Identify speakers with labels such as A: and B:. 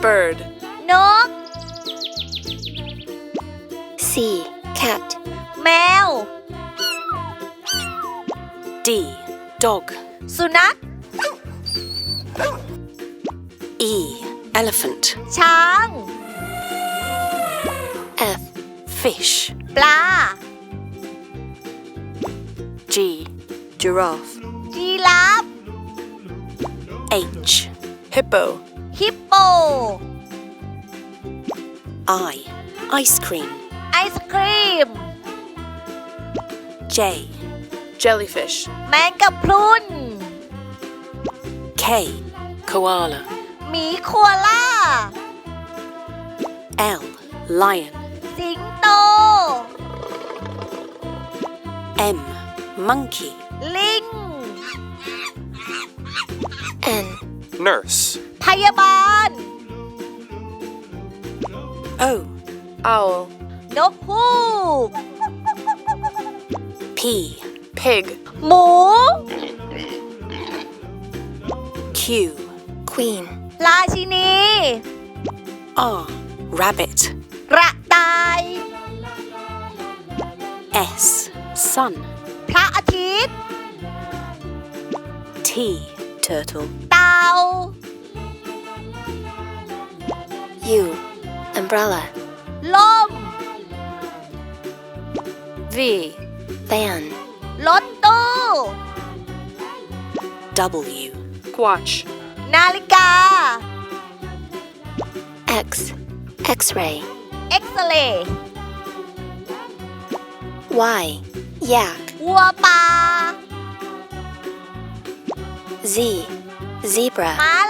A: bird.
B: นก
C: C. Cat.
B: แมว
A: D. Dog.
B: สุนัข
A: E. Elephant.
B: ช้าง
C: F.
A: Fish.
B: ปลา
A: G. Giraffe.
B: ยีราฟ
A: H. Hippo.
B: ฮิปโป
A: I. Ice cream.
B: ไอศครีม
A: J. Jellyfish.
B: แมงกะพรุน
A: K. Koala.
B: หมีโคอาล่า
A: L. Lion.
B: สิงโต
A: M. Monkey.
B: ลิง
C: N.
D: Nurse.
B: พยาบาล
A: O. Owl.
B: นกฮูก
A: P. Pig.
B: หมู
A: Q.
C: Queen.
B: ราชินี
A: R. Rabbit.
B: กระต่าย
A: S. Sun.
B: พระอาทิตย์
A: T. Turtle.
B: เต่า
C: U. Umbrella.
B: ล่ม
A: V.
C: Van.
B: รถตู้
A: W. Watch.
B: นาฬิกา
C: X. X-ray.
B: เอ็กซเรย์
C: Y. Yak.
B: วัวป่า
C: Z. Zebra.
B: ม้า